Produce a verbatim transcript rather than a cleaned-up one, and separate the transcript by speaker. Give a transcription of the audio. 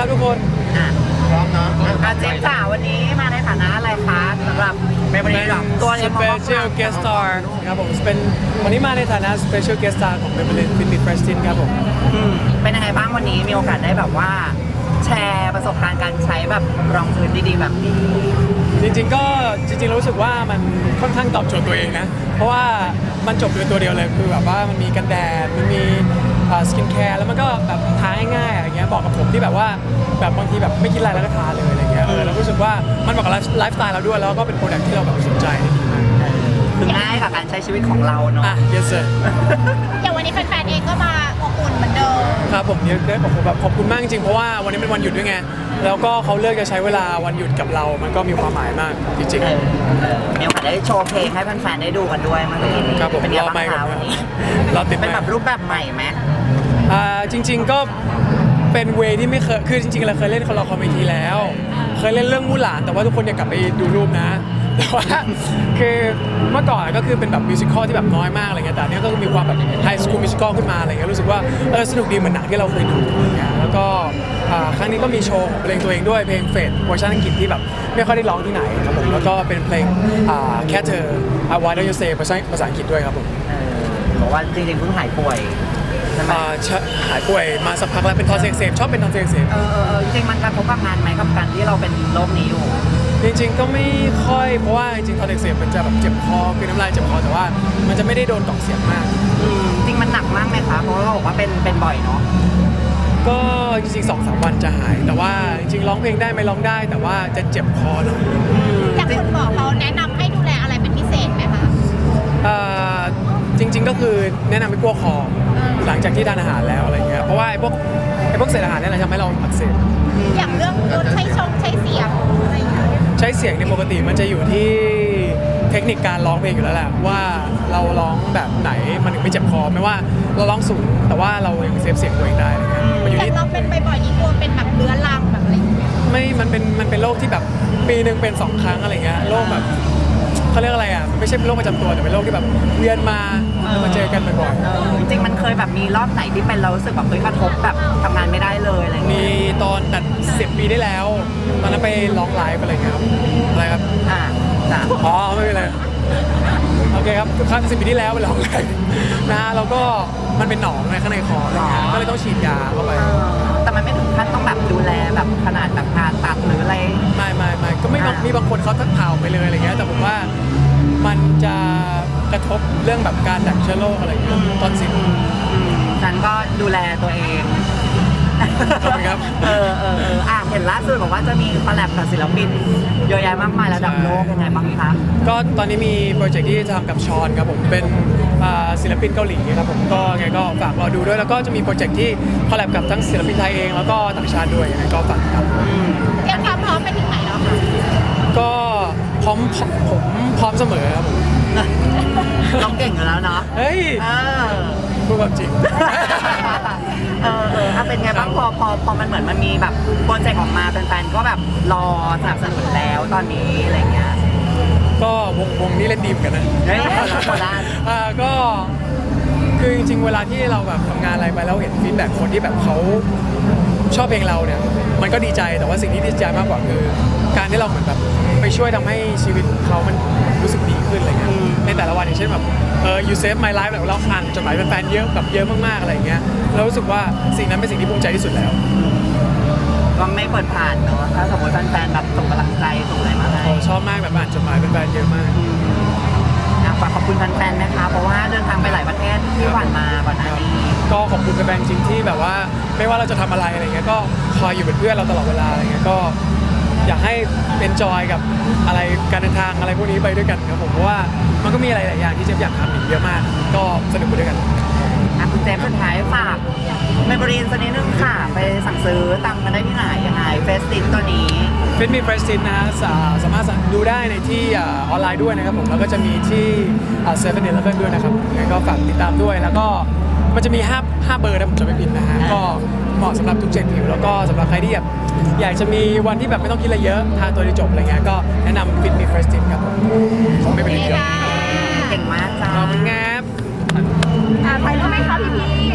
Speaker 1: ครับทุกคน
Speaker 2: อ่ะพร้อมเนาะอ่ะเจมส์จ๋าวันนี้มาในฐานะอะไรคะสำหรับเมมโมรี่หรอตัวเอง
Speaker 1: Special Guest Star ครับผมเป็นวันนี้มาในฐานะ Special Guest Star ของ Maybelline Fit Me Fresh Tint ครับผม
Speaker 2: อืมเป็นยังไงบ้างวันนี้มีโอกาสได้แบบว่าแชร์ประสบการณ์การใช้แบบรองพื้นดีๆแบบนี้
Speaker 1: จริงๆก็จริงๆรู้สึกว่ามันค่อนข้างตอบโจทย์ตัวเองนะเพราะว่ามันจบด้วยตัวเดียวเลยคือแบบว่ามันมีกันแดดมันมีสกินแคร์แล้วมันก็แบบทาง่ายๆอะไรเงี้ยบอกกับผมที่แบบว่าแบบบางทีแบบไม่คิดอะไรแล้วก็ทาเลยอะไรเงี้ยเออแล้วรู้สึกว่ามันเหมาะกับไลฟ์สไตล์เราด้วยแล้วก็เป็นโปรดักที่เราแบบสนใจได้ดีมาก
Speaker 2: คือง่ายกับการใช้ชีวิตของเราเนาะ
Speaker 1: อ่ะ yes sir
Speaker 3: อย่างวันนี้แฟนๆเองก็มาอบอุ่นเหมือนเดิม
Speaker 1: ครับผมเนี่ยได้ผมแบบขอบคุณมากจริงๆเพราะว่าวันนี้เป็นวันหยุดด้วยไงแล้วก็เขาเลือกจะใช้เวลาวันหยุดกับเรามันก็มีความหมายมากจริง
Speaker 2: ๆมีโอกาสได้โชว์เพลงให้แฟนๆได้ดูกันด้วยเมื่อกี้นี้
Speaker 1: ครับผม
Speaker 2: เป็นยังไงบ้างคะวันนี้
Speaker 1: เราติด
Speaker 2: เป็นแบบรูปแบบใหม่ไหม
Speaker 1: อ่าจริงๆก็เป็นเวที่ไม่เคยคือจริงๆเราเคยเล่นคอร์คอมเมดี้แล้วเคยเล่นเรื่องมู่หลานแต่ว่าทุกคนอยากกลับไปดูรูปนะแต่ว่าคือเมื่อก่อนก็คือเป็นแบบมิวสิคอลที่แบบน้อยมากอะไรเงี้ยแต่เนี้ยก็มีความแบบไฮสคูลมิวสิคอลขึ้นมาอะไรเงี้ยรู้สึกว่าเออสนุกดีเหมือนหนังที่เราเคยดูอะไรเงี้ยแล้วก็ครั้งนี้ก็มีโชว์ของเพลงตัวเองด้วยเพลงเฟดเวอร์ชันอังกฤษที่แบบไม่ค่อยได้ร้องที่ไหนครับผมแล้วก็เป็นเพลงแค่เธอ Why Don't You Say ภาษาภาษาอังกฤษด้วยครับผม
Speaker 2: บอกว่าจริงๆเพิ่งหายป่วย
Speaker 1: หายป่วยมาสักพักแล้วเป็นทอนซิลอักเสบชอบเป็นทอนซิลอักเสบ
Speaker 2: เออจริงๆมันกระทบกับงานไหมกับการที่เราเป็นโรคนี้อยู่
Speaker 1: จริงๆก็ไม่ค่อยเพราะว่าจริงๆทอนซิลอักเสบมันจะแบบเจ็บคอคือน้ำลายเจ็บคอแต่ว่ามันจะไม่ได้โดนกล่องเสียงมาก
Speaker 2: จริงมันหนักมากไหมคะเพราะว่าเราบอกว่าเป็นเป็นบ่อยเนาะ
Speaker 1: ก็จริงๆสองสามวันจะหายแต่ว่าจริงๆร้องเพลงได้ไหมร้องได้แต่ว่าจะเจ็บคอหน่อย
Speaker 3: อย่างคุณหมอเขาแนะนำให้ดูแลอะไรเป็นพิเศษไหมคะ
Speaker 1: จริงๆก็คือแนะนำให้กลัวคอหลังจากที่ทานอาหารแล้วอะไรเงี้ยเพราะว่าไอ้พวกไอ้พวกเศษอาหารนี่แหละทำให้เราอักเสบ
Speaker 3: อย่างเรื่องใช้ชงใช้เสียงอะไรอย่างเงี้ย
Speaker 1: ใช้เสียงในปกติมันจะอยู่ที่เทคนิคการร้องเพลงอยู่แล้วแหละว่าเราร้องแบบไหนมันถึงไม่เจ็บคอไม่ว่าเราร้องสูงแต่ว่าเรายังเซฟเสียงตัวเองได้อะไรเงี้ย
Speaker 3: มันอยู่ที่เราเป็นบ่อยๆนี่กลัวเป็นแบบเรื้อรังแบบอะไร
Speaker 1: ไม่มันเป็นมันเป็นโรคที่แบบปีหนึ่งเป็นสองครั้งอะไรเงี้ยโรคแบบเขาเรียกอะไรอ่ะไม่ใช่เป็นโรคประจำตัวแต่เป็นโรคที่แบบเวียนมาแล้วมาเจอกันบ่อย
Speaker 2: ๆจริงๆมันเคยแบบมีรอบไหนที่เป็นเรารู้สึกแบบเฮ้ยกระทบแบบทำงานไม่ได้เลยอะไร
Speaker 1: มีตอนตัดสิบปีได้แล้วตอนนั้นไปร้องไลฟ์อะไรเงี้ยครับอะไรครับ
Speaker 2: อ่าจ้ะ
Speaker 1: อ๋อไม่เป็นไรโอเคครับครั้งสิบปีที่แล้วไปร้องไลฟ์นะแล้วก็มันเป็นหนองในข้างในคออะไรเงี้ยก็เลยต้องฉีดยาเข้าไป
Speaker 2: แต่มันไม่ถึงขั้นต้องแบบดูแลแบบขนาดแบบการตัดหรืออะไร
Speaker 1: ไม่ไม่ไม่ก็ไม่มีบางคนเขาทักเผาไปเลยอะไรเงี้ยแต่ผมว่ามันจะกระทบเรื่องแบบการดักเชื้อโรคอะไรเงี้ยตอนสิบ
Speaker 2: ฉันก็ดูแลตัวเอง
Speaker 1: ครับ
Speaker 2: เออเออเอออ่ะเห็นล่าสุดบอกว่าจะมีคอลแลบกับศิลปินเยอะแยะมากมายระดับโลกยังไงบ้างคะ
Speaker 1: ก็ตอนนี้มีโปรเจกต์ที่จะทำกับชอนครับผมเป็นศิลปินเกาหลีครับผมก็ไงก็ฝากรอดูด้วยแล้วก็จะมีโปรเจกต์ที่คอลแลบกับทั้งศิลปินไทยเองแล้วก็ต่างชาติด้วยยังไงก็ฝากครับ
Speaker 3: เตรียมความพร้อมไปถึงไหนแล้วคะ
Speaker 1: ก็พร้อมผมพร้อมเสมอครับผม
Speaker 2: เราเก่งอยู่แล้วเนาะ
Speaker 1: เฮ้ยพูดความจริง
Speaker 2: เออเออถ้าเป็นไงบ้างพอพอพอมันเหมือนมันมีแบบโปรเจกต์ออกมาแฟนๆก็แบบรอสนับสนุนแล้วตอนนี้อะไรเงี้ย
Speaker 1: ก็วงวงนี้เล่นดีเหมือนกันนะ
Speaker 2: เฮ้ยโคราช
Speaker 1: อ่าก็คือจริงๆเวลาที่เราแบบทำงานอะไรไปแล้วเห็นฟีดแบ็กคนที่แบบเขาชอบเพลงเราเนี่ยมันก็ดีใจแต่ว่าสิ่งที่ดีใจมากกว่าคือการที่เราเหมือนแบบไปช่วยทำให้ชีวิตเขามันรู้สึกดีขึ้นอะไรเงี้ยในแต่ละวันอย่างเช่นแบบเออ you save my life เราอ่านจดหมายแฟนๆเยอะแบบเยอะมากๆอะไรเงี้ยเรารู้สึกว่าสิ่งนั้นเป็นสิ่งที่ภูมิใจที่สุดแล้ว
Speaker 2: ก็ไม่เปิดผ่านเนาะถ้าสมมติแฟนๆแบบส่งกำลังใจส่งอะไรมาให้
Speaker 1: ชอบมากแบบอ่านจดหมายแฟนๆเยอะมาก
Speaker 2: ฝากขอบคุณแฟนๆนะคะเพราะว่าเดินทางไปหลายประเทศที่ผ่านมาก่อนหน้านี้
Speaker 1: ก็ขอบคุณแฟนๆจริงที่แบบว่าไม่ว่าเราจะทำอะไรอะไรเงี้ยก็คอยอยู่เป็นเพื่อนเราตลอดเวลาอะไรเงี้ยก็อยากให้เป็นจอยกับอะไรการเดินทางอะไรพวกนี้ไปด้วยกันครับผมเพราะว่ามันก็มีอะไรหลายอย่างที่เจฟอยากทำอีกเยอะมากก็สนุกไปด้วยกัน
Speaker 2: คุณเจฟสุดท้ายฝากเมมโมรีสักนิดนึงค่ะไปสั่งซื้อตังกันได้ที่ไหนยังไงเฟสตินตัวนี้
Speaker 1: เฟสมีเฟสตินนะฮะสามารถดูได้ในที่ออนไลน์ด้วยนะครับผมแล้วก็จะมีที่เซเว่นอีเลฟเว่นด้วยนะครับงั้นก็ฝากติดตามด้วยแล้วก็มันจะมีห้า ห้าเบอร์นะผมจะไม่ผิดนะฮะก็เหมาะสำหรับทุกเจนผิวแล้วก็สำหรับใครที่แบบอยากจะมีวันที่แบบไม่ต้องคิดอะไรเยอะทาตัวเดียวจบอะไรเงี้ยก็แนะนำฟิตมีเฟรชตินครับผมของไม่เป็นเยอะ
Speaker 2: เก่งมากจ้า
Speaker 1: ขอบคุณครับ
Speaker 3: ไปรู้ไหมคะพี่พี